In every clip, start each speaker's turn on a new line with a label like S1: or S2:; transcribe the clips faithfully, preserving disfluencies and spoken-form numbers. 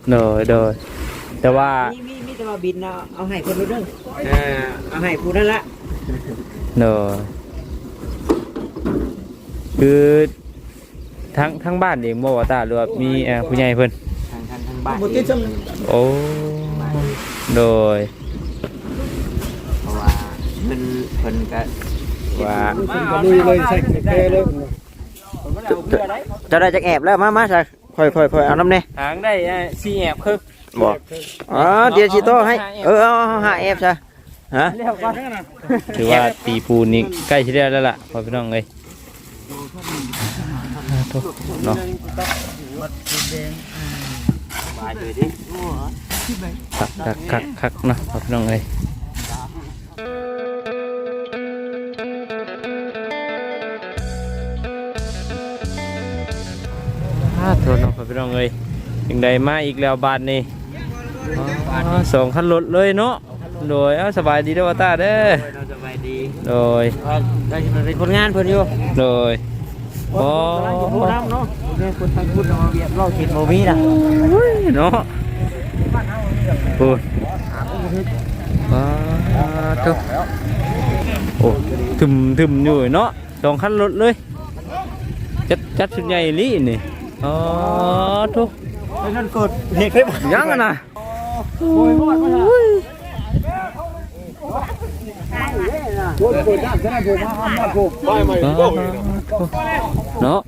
S1: โดยโดยแต่ว่า
S2: มีมีมีแต่ว่าบินเอาเอาให้คนรู้เรื่องอ่าเอาให้ผู้นั่นละ
S1: โดยคือทั้งทั้งบ้านเองบ่ว่าตาหรือว่ามีเอ่อผู้ใหญ่เพิ่น
S2: ทางทางทางบ้าน
S1: โอ้โดย
S2: เพราะว่าเพิ่นเพิ่นก็ว่า
S3: ลุยเลยใส่แค่เลย
S2: จะได้จักแอบแล้วมามาใส่ค่อยๆๆเอาน้ำเนี่ย
S1: หางได้สี่แอบคือ
S2: บอกอ๋อเดี๋ยวชีโต้ให้เออเอาหาแอบใช่ฮะ
S1: ถือว่าตีปูนนี่ใกล้ชิดแล้วล่ะพอพี่น้องเลยเนาะคักคักคักเนาะพอพี่น้องเลยโทษน้องพี่น้องเลยยังได้มาอีกแล้วบาทนี่สองคันรถเลยเนาะโดยสบายดีด้วยตาเด้อ
S2: สบายดี
S1: โดย
S2: ได้เป็นคนงานเพิ่นอยู่
S1: โดยโอ้
S2: ผู้นำเนาะเนี่ยคนทางพุทธเบียบเราเห็นโมมีนะ
S1: เนาะพูดว้าทุกโอ้ถึมถึมอยู่เนาะสองคันรถเลยจัดจัดชุดใหญ่ลี่นี่อ๋อทุก
S2: นั่นเกิดเหตุขึ้น
S1: ยังอ่ะนะ
S3: โอ้ยมาแล้วโอ้ยเปิดน้ำจะได้ผมมามาผมไปใหม่
S1: เนาะ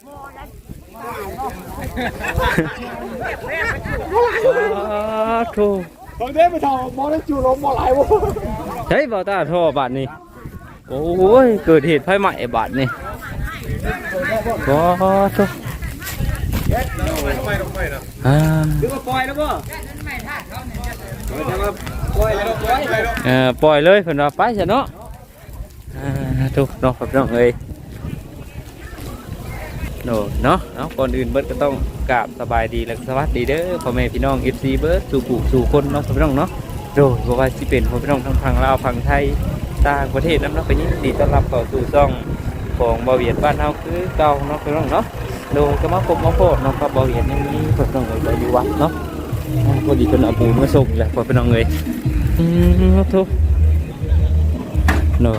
S1: ทุก
S3: ตอนนี้ไปทำมอได้จูลมมอไหลวะ
S1: ใช่บ่าวตาท่อบาทนี่โอ้ยเกิดเหตุไฟไหม้บาทนี่ก็ทุกอ่า
S2: ดูว่าปล่อยแล้วบ่ปล่อยแล้วปล่อย
S1: เออปล่อยเลยเพิ่นว่าไปซะเนาะอ่าทุกเนาะครับน้องเอ้ยโน่เนาะเนาะก่อนอื่นเบิดก็ต้องกราบสบายดีและสวัสดีเด้อพ่อแม่พี่น้อง เอฟ ซี เบิดสู่ผู้สู่คนเนาะพี่น้องเนาะโดยบ่ว่าสิเป็นพ่อพี่น้องทั้งฝั่งลาวฝั่งไทยต่างประเทศนำเนาะก็ยินดีต้อนรับเข้าสู่ช่องของบ่าวเวียดบ้านเฮาคือเก่าเนาะพี่น้องเนาะโดยก็มาพบมาโพดน้องกับบ่าวเวียดยังมีเพิ่นน้องเอ้ยไปอยู่วัดเนาะพอดีเพิ่นเอาปูนมาส่งแหละพ่อพี่น้องเอ้ยอืมทุกโน่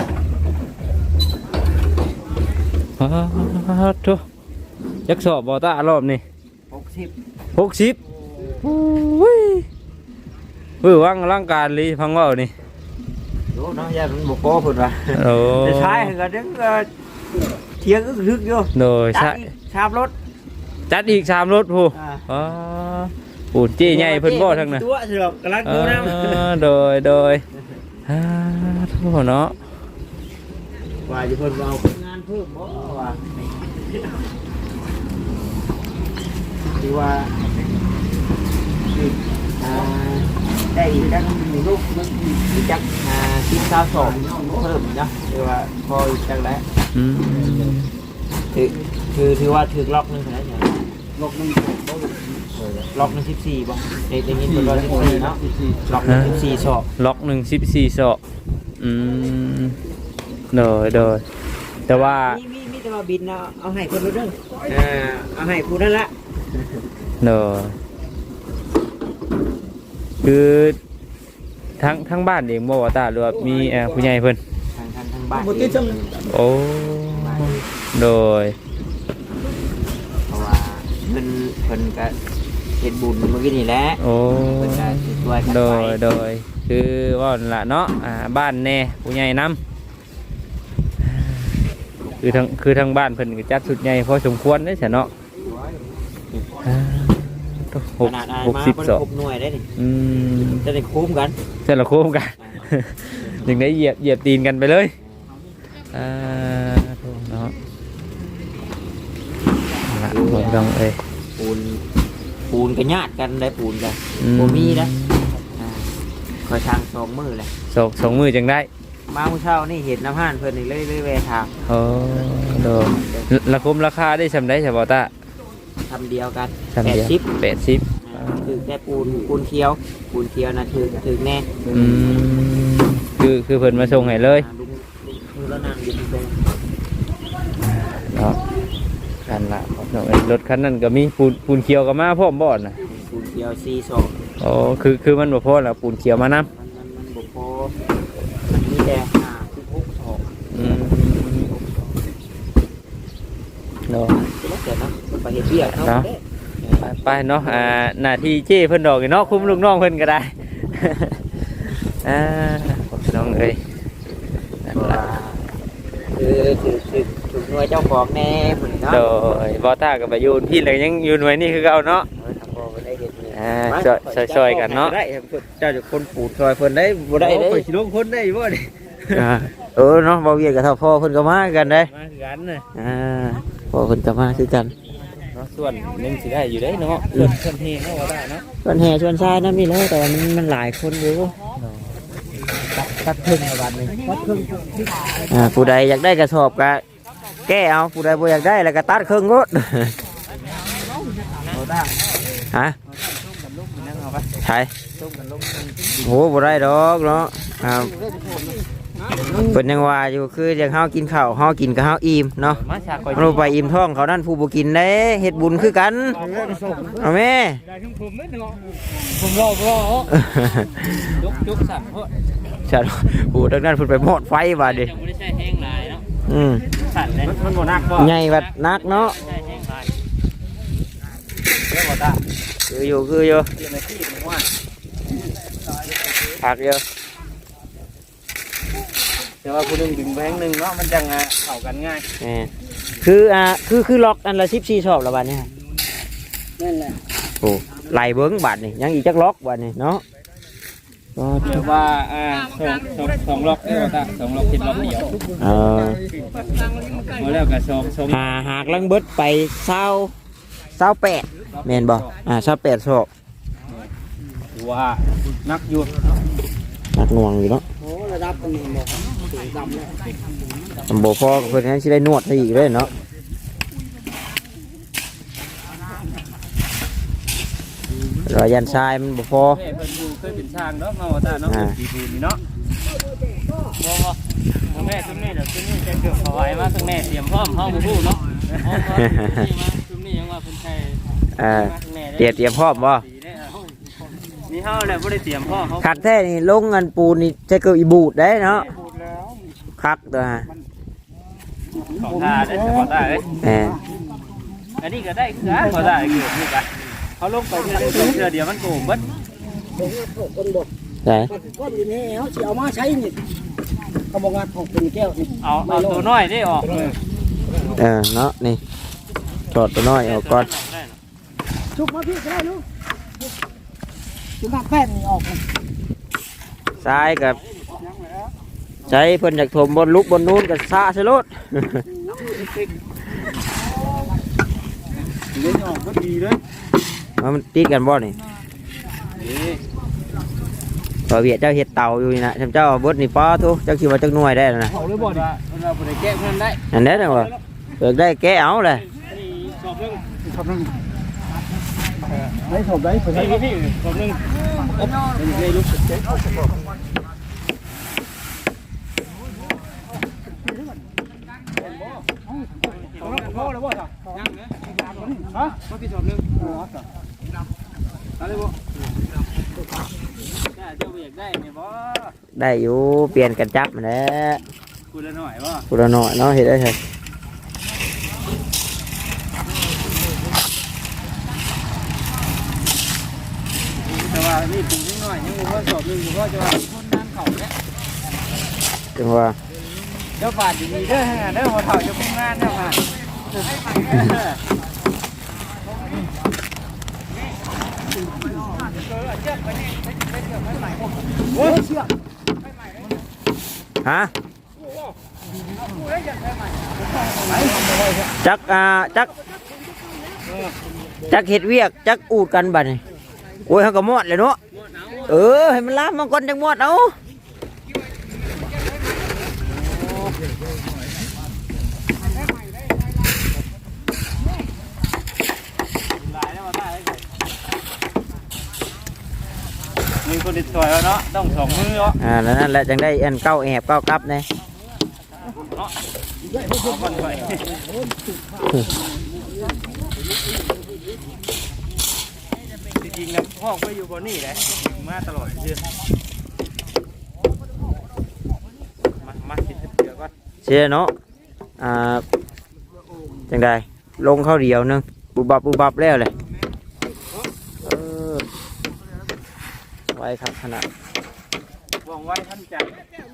S1: ฮะทุกยักษ์สอบบ่ตารอบนี่
S2: หกสิบ
S1: หกสิบอุ้ยเฮ้ยว่างร่างการลีพังว่านี่
S2: โอ้น้องยามันบกโป้พุ่นว่ะ
S1: โอ้
S2: ใช่ก็ดึงเทียงอึกทึกอยู่
S1: โดยใช่
S2: ชามรถ
S1: จัดอีกชามรถผู้อ๋อปูนจี้ใหญ่เพิ่นบ่ทั้งนั้น
S2: ตัวเสือกกำลังดูน้
S1: ำโดยโดยฮ่าทั่วเนาะ
S2: ว่าจะเพิ่นเอางานเพิ่มบ่ว่าคือว่าได้อีกจักลูกอีกจักสิบเก้าสองเพิ่มนะคือว่าพออีกจักแล้วคือคือถือว่าถือล็อกนึงแล้วเนี่ย
S3: ล็อกนึง
S2: ล็อกนึงสิบสี่บ่ในในนี้เป็นล็อกสิบสี่เนาะล็อกนึงสิบสี่ศอก
S1: ล็อกหนึ่งสิบสี่ศอกอืมโดยโดยแต่ว่า
S2: มีมีมีแต่ว่าบินเอาเอาให้คนรู้เรื่องอ่าเอาให้ผู้นั่นละ
S1: โดยคือทั้งทั้งบ้านเองบ่ว่าตาหรือว่ามีเอ่อผู้ใหญ่เพิ่น
S2: ทางทางทางบ้าน
S1: โอ้โดย
S2: เพราะว่าเพิ่นเพิ่นก็เฮ็ดบุญเมื่อกี้นี่แหละ
S1: โอ้
S2: เพิ่นก็ช่วยกัน
S1: โดยโดยคือว่าล่ะเนาะอ่าบ้านแน่ผู้ใหญ่นำคือทางคือทางบ้านเพิ่นก็จัดสุดใหญ่พอสมควรเด้ซะเนาะหกหกสิบสอง
S2: หน่วยได้ดิ
S1: อืม
S2: จะได้คุ้มกัน
S1: จะละคุ้มกันถึงได้เหยียบเหยียบตีนกันไปเลยอ่าเนาะละผมต้องเอ้ย
S2: ปูนปูนกันญาติกันได้ปูนกันโบมีนะคอยทางสองมือเลย
S1: สองสองมือจังได้
S2: มาเมื่อเช้านี่เห็นน้ำห่านเพิ่นนี่เลยเลยแวะทาง
S1: โอ้โดราคมราคาได้สำได้ใช่ป่ะตา
S2: ทำเดียวกัน
S1: แปดสิบแปดสิบ
S2: คือแค่ปูนปูนเคี้ยวปูนเคี้ยวนะถือถือแน่
S1: อืมคือคือเพิ่นมาส่งให้เลย
S2: คือแล้วนางยืนตรง
S1: เนาะกันละรถคันนั้นก็มีปูนปูนเคี้ยวกับมาพร้อมบ่อนนะ
S2: ปูนเคี้ขียวสี่สอง
S1: โอ้คือคือมันบ่พอแล้วปูนเขียวมานํ
S2: มันมันมันบุกโพมันมีแต่ห้าสิบหกสอง
S1: อืมเนาะ
S2: แล้วแต่เนาะไปเห็นเบี้ยเขา
S1: เนาะ ไปไปเนาะอ่าหน้าที่เจ้เพิ่นดอกนี่เนาะคุมลูกน้องเพิ่นก็ได้ อ่าพี่น้องเอ้ยนั่นล่ะ
S2: คือคือคือถูกหน่วยเจ้าของแน่เหมือนเนาะ
S1: โดยบ่ท่าก็ไปอยู่พี่เลยยังอยู่หน่วยนี่คือเก่าเนาะ
S2: เออทำบ่ได้เห็นเลย
S1: อ่าช่วยช่วยช่วยกันเนาะ
S2: ได้เจ้าจะคนปูดซอยเพิ่นได้บ่ได้เด้
S3: โอ้ยสิลงคนได้บ่นี่
S1: อ่าเออเนาะบ่เวียดกับเท่าพ่อเพิ่นก็มากันเด้
S3: มาคือกันน่ะ
S1: อ่าพ่อเพิ่นก็มาคือกัน
S3: เนาะส่วนหนึงสิได้อยู่ได้เนาะส่วนส่วนเฮงเนาะว่าได้เนาะ
S2: ชวนแห่ชวนทรายนั่นนี่เลยแต่ว่ามันมันหลายคนอยู่ตัดตัดครึ่งในวันนี้ตัดครึ่ง
S1: อ่าผู้ใดอยากได้กระสอบก็แก้เอาผู้ใดบ่อยากได้แล้วก็ตัดครึ่งรถ
S3: เอาได้
S1: ฮะ
S3: ต้มกันลูกนั่งเอาไป
S1: ใช่
S3: ต้มกันลูก
S1: โหบ่ได้ดอกเนาะอ่าเพิ่นยังว่าอยู่คืออยากเฮากินข้าวเฮากินก็เฮาอิ่มเนาะ
S3: มาฉากก่อย
S1: เราไปอิ่มท้องเขานั่นผู้บ่กินได้เฮ็ดบุญคือกันเอาแม่
S3: ได้ทั้งผมเด้เนาะผมรอรอจุกจุกสั่นเพราะ
S1: ฉันผู้ทางนั้นเพิ่นไปหมอดไฟว่าดิ
S3: จะไม่ได้ใช้แห้งหลายเนาะ
S1: อืม
S3: สั่นเลยมันบ่นักบ่
S1: ใหญ่บัดนักเนาะ
S3: ใช้แห้งหลายเด้อบ่ตา
S1: คืออยู่คืออยู่
S3: เดี๋ยวนาทีนึงว่า
S1: ผักอยู่
S3: แต่ว่าผู้หนึงดึงแบงค์นึงเนาะมันจังอ่ะเข้ากันง่าย
S1: แหมคืออ่าคือคือล็อกอันละสิบสี่ชอบละบัดนี้
S3: นั่นแหละ
S1: โอ้ไล่เบิ้งบัดนี่ยังอีกจักล็อกบัดนี่เนาะก็
S3: เรียกว่าอ่าสองสองสองล็อกเด้อบ่ตาสองล็อกคิดล็อกเดียว
S1: เออ
S3: มาแล้วก็สองสอง
S1: หาหากลังเบิดไปเศร้าเศร้าแปดแม่นบ่อ่าเศร้าแปดชอบ
S3: ถือว่านักอยู่
S1: หนักหน่วงอยู่เนาะ
S3: โอ้ระดับนี้บ่ถึงดำแล้ว
S1: ตำบ่พอกับเพิ่นนั้นสิได้นวดให้อีกเลยเนาะรอยยันทรายมันบ่พอ
S3: แม่เพิ่นอยู่เคยเป็นช่างเนาะมาว่าตาเนาะปีบูนี่เนาะบ่บ่แม่ซุมนี้เดี๋ยวซุมนี้จะเกือบเอาไว้มาซุมแม่เตรียมพร้อมเฮาบ่ฮู้เนาะอ๋อซุมนี้ยังว่าเพิ่นใช้
S1: อ่าเตรียมเตรียมพร้อมบ่
S3: นี่เฮาแหละบ่ได้เตรียมพร้อมเฮา
S1: คักแท้นี่ลงเงินปูนนี่จะเกิดอีบูดได้เนาะคักตัวฮะ
S3: ของตาได้ขอตาเอ้ย
S1: แหม
S3: อันนี้ก็ได้คือขอตาเกิดนี่ก็เขาลงไปเทื่อเทื่อเดียวมันโกงเบิด
S1: ไหน
S4: ก้อนอยู่นี่เขาสิเอามาใช้นี่เขาบอกงานของเป็นแก้วนี่
S3: เอาเอาตัวน้อยได้ออกเลย
S1: เออเนาะนี่ถอดตัวน้อยออกก่อน
S4: ชุบมาพี่ก็ได้ลูกชุบน้ำแป้นนี่ออกเลย
S1: ซ้ายกับใช้เพิ่นอยากถมบนลุกบนนู้นกับซาใช่รถ
S3: เล่นออกก็ดีเลย
S1: มันติดกันบ่นี่ต่อเวียดเจ้าเห็ดเต่าอยู่นี่นะจำเจ้าเอาเบดนี่ป้อทุเจ้าคิดว่าจักหน่วยได้แล้วนะ
S3: เอาเลยบ่ดิเราบ่ได้แก้เพิ่นได้
S1: อันนี้นะว่าเปิดได้แก้เอาเลย
S3: สอบนึง
S4: ชอบนึงไม่ชอบได้ผม
S3: พี่พี่สอบนึงได้ลูกพ่อแล้วบ่จ้ะยังนะฮะมาพี่สอบนึงอ๋อจ้ะอะไรบ่จ้าเจ้าอยากได้เนี่ยบ่
S1: ได้อยู่เปลี่ยนกันจับมาแล้ว
S3: กูละหน่อยบ่
S1: กูละหน่อยเนาะเห็ดได้ใช่
S3: แต่ว่านี่ปลูกนิดหน่อยยังบ่พอสอบนึงบ่พอจะว่าคนน้ำเขาเนี่ย
S1: จังว่า
S3: เดี๋ยวบาดอยู่นี่เด้อฮะเด้อหัวเฒ่าจะมุ่งงานเด้อค่ะโอ้ยเชือก
S1: ฮะจักอ่าจักจักเห็ดเวียกจักอูดกันบัดนี่โอ้ยเขาก็มอดเลยเนาะเออให้มันล้ามมันก่อนจังมอดเอา
S3: มีคนติดต่อยแล้วเนาะต้องสองมือเนาะ
S1: อ่าแล้วนั่นแหละจังได้อันเก้าแอบเก้ากลับเนี่ย
S3: เอาคนไป
S1: จริงนะพ่อก็อยู่บนนี่แหละมาตลอดเชื่อมามาสิเดี๋ยวก่อน
S2: เชื่อเนาะอ่าจังใดลงเข้าเดียวนึงบุบบับบุบบับแล้วเลยเออไว้ครับขนาด
S1: หวังไว้ท่านจัด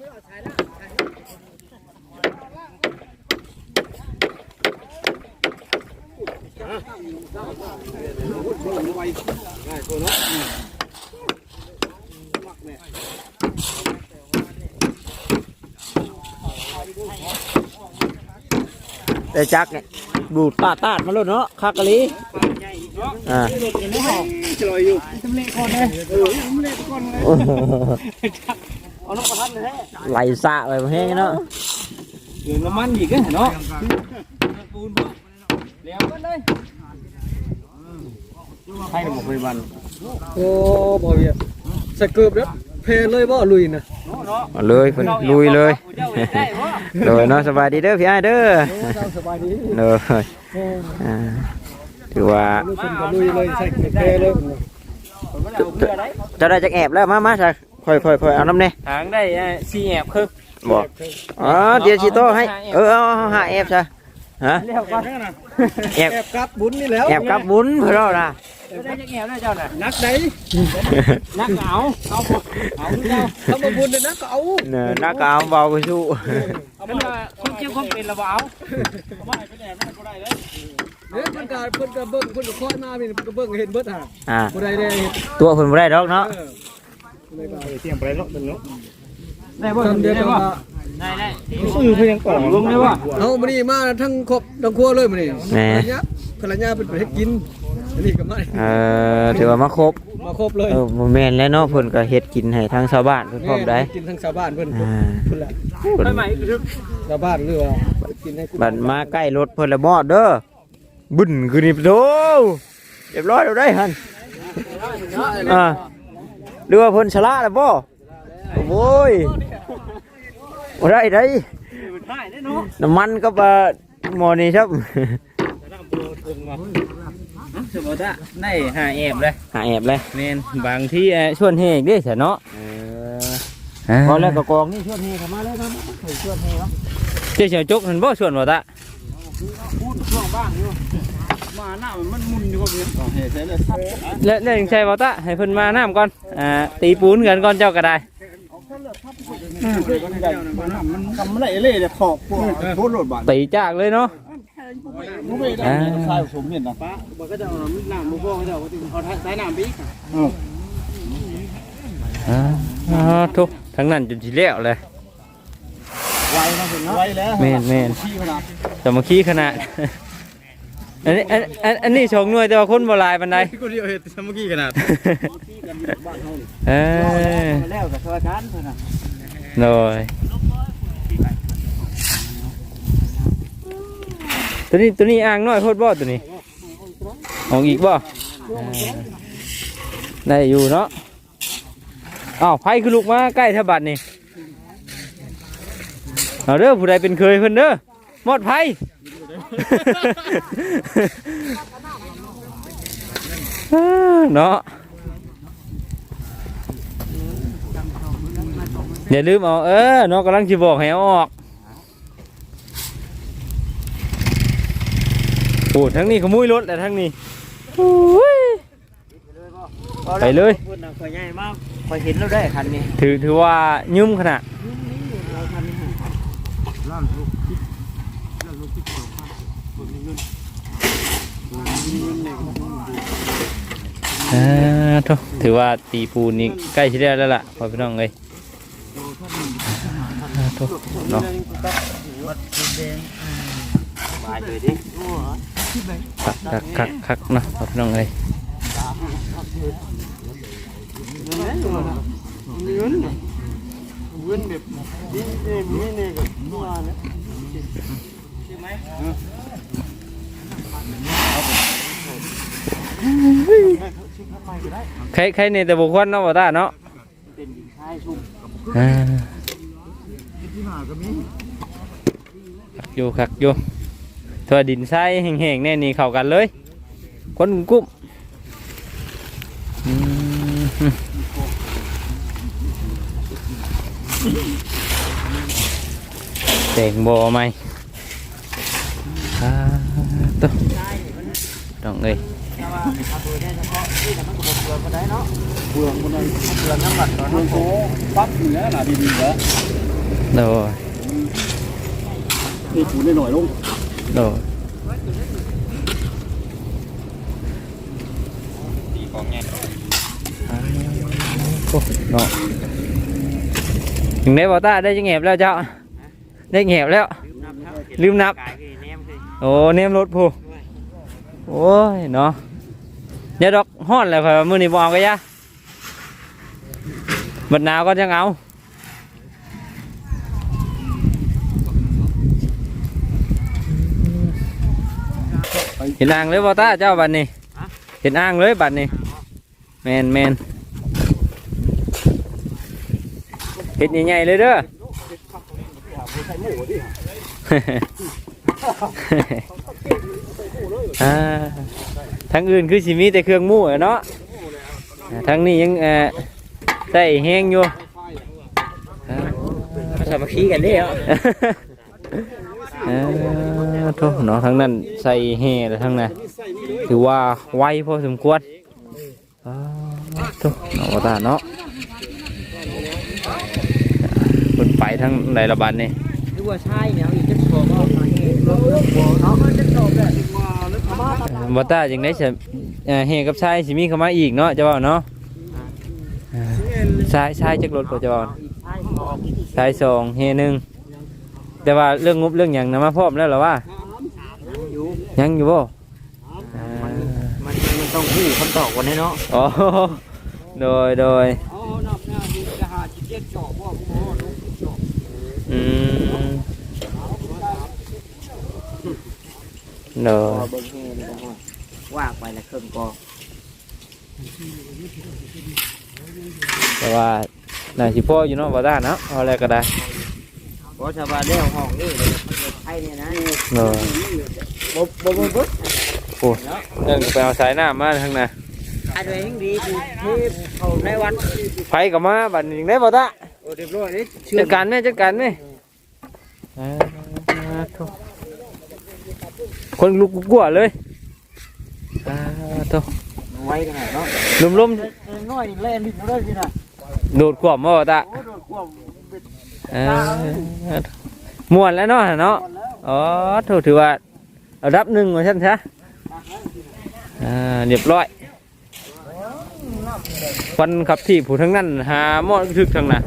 S2: แต่จักเนี่ยดูดปาดตาดมาแล้วเนาะคากะลีอ่า
S4: จะลอยอยู่ทำเละก่อนเลยเออทำเละก่อนเลยเอาน้ำประทัดเลย
S2: ไหลสะไปแห้งเนาะ
S1: เหลืองน้ำมันอีกอะเนาะปูนเลี้ยงกันเลยให้หมดไปวัน
S4: โอ้บ่เวียใส่เกือบแล้วเพลเลยบ่ลุยนะ
S2: มาเลยเพิ่นลุยเลยเลยเนาะสบายดีเด้อพี่อ้ายเด้อ
S4: สบายดี
S2: เลยอ่าถือว่า
S4: ลุยเป็นก็ลุยเลยใส่เพลเลย
S2: จะได้จักแอบแล้วมามาจ้ะค่อยค่อยค่อยเอาน้ำเนี่ย
S1: หางได้ซีแอบคือ
S2: บอกอ๋อเดี๋ยวชีโต้ให้เออเอาหาแอบจ้ะฮะ
S1: เรียกว่า
S2: แอบ
S4: แอบกับบุญนี่แล้ว
S2: แอบกับบุญเพื่อนเราน่ะ
S1: ได้จะแอบได้เจ้าน่ะ
S4: นักไหน
S1: นักเหงาเอาเอาเจ้า
S4: ทำมาบุญเลยนะก็เอา
S2: เนอนักกาวเบาไปสู้
S1: เอาเป็นว่าคุณเกี่ยวข้องเป็นระเบาเอาไม่เป็นแอบไม่ก็ได้เลย
S4: เนี่ยเพิ่นก็เพิ่นก็เบิ่งเพิ่นก็คอยมาพี่เพิ่นก็เบิ่งเห็นเบิดห่า
S2: อ่า
S4: บ่ได้ได้เห็น
S2: ตัวเพิ่นบ่ได้ดอกเนาะ
S1: เตรียมไปแล้วเนาะได้
S4: บ่
S1: บ่
S4: ทำเดียว
S1: ได้
S4: กัน
S1: บ่
S4: ว่า
S1: ได้ได้ซื้อเพียงกล่องลงได้บ่
S4: เอามื้อนี้มาทั้งครบทั้งครัวเลยมื้อนี้
S2: แหม
S4: ภรรยาภรรยาเป็นไปให้กินอันนี้ก็มา
S2: เออถือว่ามาครบ
S4: มาครบเลย
S2: เออบ่แม่นแล้วเนาะเพิ่นก็เฮ็ดกินให้ทางชาวบ้านเพิ่นพร้อมได้
S4: กินทั้งชาวบ้านเพิ่น
S2: อ่า
S4: เพิ่นแหละ
S2: เพิ่น
S1: ใหม่คือ
S4: ชาวบ้านหรือว่ากินให้
S2: บัดมาใกล้รถเพิ่นละมอดเด้อบึ้นคือนี่โธ่เรียบร้อยแล้วได้หั่นอ่าหรือว่าเพิ่นชราแล้วบ่โอ้ยบ่ได้ได้
S1: ได้ได้เนาะ
S2: น้ำมันก็บ่หมอนี่ครับ
S1: สมมติว่าได้หาแอบเลย
S2: หาแอบเลย
S1: แม่นบางที่ชวนเฮกได้เสียเนาะ
S2: เออพอแล้วก็กองนี่ชวนเฮเข้ามาเลยครับชวนเฮครับ
S1: เจ้าเฉียวจกเห็นบ่ชวนบ่ตะ
S4: พูดช่วงบ้านอยู่มาหน้ามันมุนอยู่ก็เห็นเฮ้ยใช่เลยซับ
S1: และและยังใช่บ่ตะให้เพิ่นมาน้ำก่อนอ่าตีปูนกันก่อนเจ้าก็ได้
S4: มันกำไรเล่เลยขอบพวกโคตรโหดบาด
S1: ตีจากเลยเนาะ
S4: มุ้ยได้ใช่ผมเห็นนะป้าบอกก็จะเอาน้ำมุ้งพ่อเขาจะเอาใช้น้ำบิ๊ก
S1: อ่าอ่าทุกทั้งนั้นจนสิแล้วเลย
S4: ไวนะเห็นไวแล้ว
S1: แม่นแม่น
S4: ขี้ขนาด
S1: สามัคคีขนาดอันนี้อันอันอันนี้ชงหน่วยแต่ว่าคนบ่หลายปานใด
S4: กูเดียวเห็นสามัคคีขนาด
S1: เออ
S4: แล้วกับชาวบ้านเท่านั้น
S1: โดยตัวนี้ตัวนี้อ่างน้อยโพดบ่ตัวนี้เอาอีกบ่ได้อยู่เนาะอ้าวไผคือลูกมาใกล้แถวบัดนี่เอาเด้อผู้ใดเป็นเคยเพิ่นเด้อหมดไผ เนาะอย่าลืมเอาเออเนาะกำลังจะบอกให้เอาออกโอ้ทั้งนี้ขโมยรถแต่ทั้งนี้โอ้ยไปเลย
S2: พูดนะคอยใหญ่มากคอยเห็นแล้วได้คันนี้
S1: ถือถือว่ายุ่มขนาดอ่าทุกถือว่าตีปูนนี่ใกล้ชิดแล้วล่ะพอพี่น้องเลยอ่าทุกเนาะ
S2: มาเลยดิ
S1: คักคักคักคักเนาะพอพี่น้องเลย
S4: เว้นแบบนี่นี่นี่นี่กับนัวนะ
S1: ใครใครในแต่บุคคลเนาะบ่ตาเนาะ
S4: เป็นหญิงชายชุ่ม
S1: อ่า
S4: ที่หาก็มี
S1: คักอยู่คักอยู่ถั่วดินทรายแห้งๆแน่นี่เข้ากันเลยคนกุ้มแต่งบ่ไหมอ่าตัวต้องเอ้ย
S2: แต่ว่าเอาตัวได้เฉพาะที่แต่มันก็บ่เปลืองก็ได้เนาะ
S4: เบื่อคนนั้น
S2: เปลืองน้ำบัตรตอน
S4: โอ้
S2: นั้น
S4: โหปั๊บเหนือหนาดีๆเหรอ
S1: โดย
S4: นี่ถูนหน่อยลง
S1: โดย อ่าโอ้เนาะถึงได้บอต้าได้จะแงบแล้วเจ้าได้แงบแล้ว ลืมนับ
S2: กายคือแนมคือ
S1: โอ้เนมรถผู้โอ้ยเนาะอย่าดอกฮ้อนเลยข่อยว่ามื้อนี้บ่เอาก็ยะบัดหนาวก็จังเอาเห็นอ่างเลยบอต้าเจ้าบัดนี้เห็นอ่างเลยบัดนี้แมนแมนเห็ดใหญ่ๆเลยเด้อ อ่าทั้งอื่นคือสิมีแต่เครื่องมู่อะเนาะอ่าทั้งนี้ยังเอ่อใส่แห้งอยู่อ่า
S2: สามัคคีกันเด้อ
S1: เออโทษเนาะทั้งนั้นใส่แห่แล้วทั้งนั้นถือว่าไวพอสมควรอ่าโทษเนาะว่าตาเนาะคนไปทั้งในระบาดนี่
S2: หรือว่าใช่เนี่ยอีกจะโชว์ก็มาเองรถรถบัวเนาะจะโชว์เลยมาแล้วมา
S1: บ่ตาจังได้สิเอ่อแห่กับชายสิมีเข้ามาอีกเนาะจะว่าเนาะอ่าชายชายจักรถก็จะว่าชายสองแห่หนึ่งแต่ว่าเรื่องงบเรื่องหยังนะมาพร้อมแล้วเหรอวะ
S2: อยู่
S1: ยังอยู่บ่อ่า
S2: มันมันต้องหู้คำตอบกันเนาะ
S1: อ๋อโดยโดย
S2: อ๋อนับหน้าดีจะหาจิตเจ็ดจอบว่าผู้บ่ลูกจอบ
S1: อืมโดย
S2: เบิ่งเฮนี่ก็ว่าไปละเครื่องกอ
S1: แต่ว่าน่าสิพ่ออยู่เนาะบ่ได้เนาะเอาอะไรก็ได้
S2: เพราะชาวบ้านเลี้ยวห้องนี่เลยมันจะไทยเนี่ยนะ
S1: โดย
S2: บ่บ่บ่บ่
S1: โอ้เรื่องไปเอาสายน้ำมาทางน่ะ
S2: อันนี้ดีที่ที่เขาในวัน
S1: ไผก็มาบัดนี้ได้บ่ตา
S2: โอ้เรียบร้อยนี่
S1: จัดการแม่จัดการแม่อ่าโถ่คนลุกกลัวเลยอ่าโต
S2: ไว้กันเนาะ
S1: ลมลม
S2: น้อยเล่นนิดเดียวสินะ
S1: โดดขวบมาบ่ตา
S2: โอ้โดนควบ
S1: เออม่วนแล้วเนาะเนาะอ๋อโถถือว่าเอาดับหนึ่งมาชั้นซะอ่าเรียบร้อยฟันขับที่ผู้ทั้งนั้นหาหมอถึกทั้งน่ะ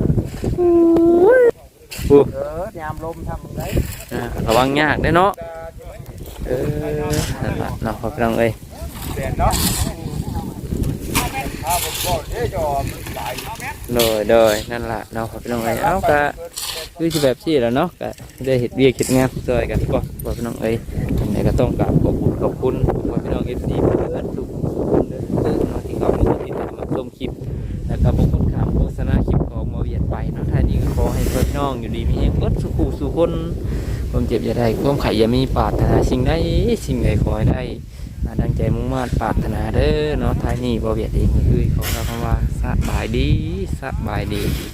S1: อู้
S2: เออยามลมทำไร
S1: อ่าระวังยากได้เนาะเออนั่นล่ะเนาะพ่อพี่น้องเอ้ย
S4: เปลี่ยนเนาะถ้าผมบอกเด้จอมันตาย
S1: โดยโดยนั่นล่ะเนาะพ่อพี่น้องเอ้ยเอ้าก็คือสิแบบซี่แหล้วเนาะก็ได้เฮ็ดเวียกเฮ็ดงานช่วยกันก็พ่อพี่น้องเอ้ยจังไดก็ต้องกราบขอบคุณขอบคุณพ่อพี่น้อง เอฟ ซี เพื่อนทุกคนเด้อเนาะที่เขามาติดตามมาชมคลิปแล้วก็บ่กดข้ามโฆษณาคลิปของหมอเวียดไปเนาะท้ายนี้ก็ขอให้เพื่อนน้องอยู่ดีมีแรงเบิดสุขสู่คนความเจ็บอย่าได้ความไข้อย่ามีปรารถนาสิ่งใดสิ่งใดขอให้ได้มาดังใจมุ่งมั่นปรารถนาเด้อเนาะท้ายนี้บ่เวียดเองก็คือขอกล่าวคำว่าสบายดีสบายดี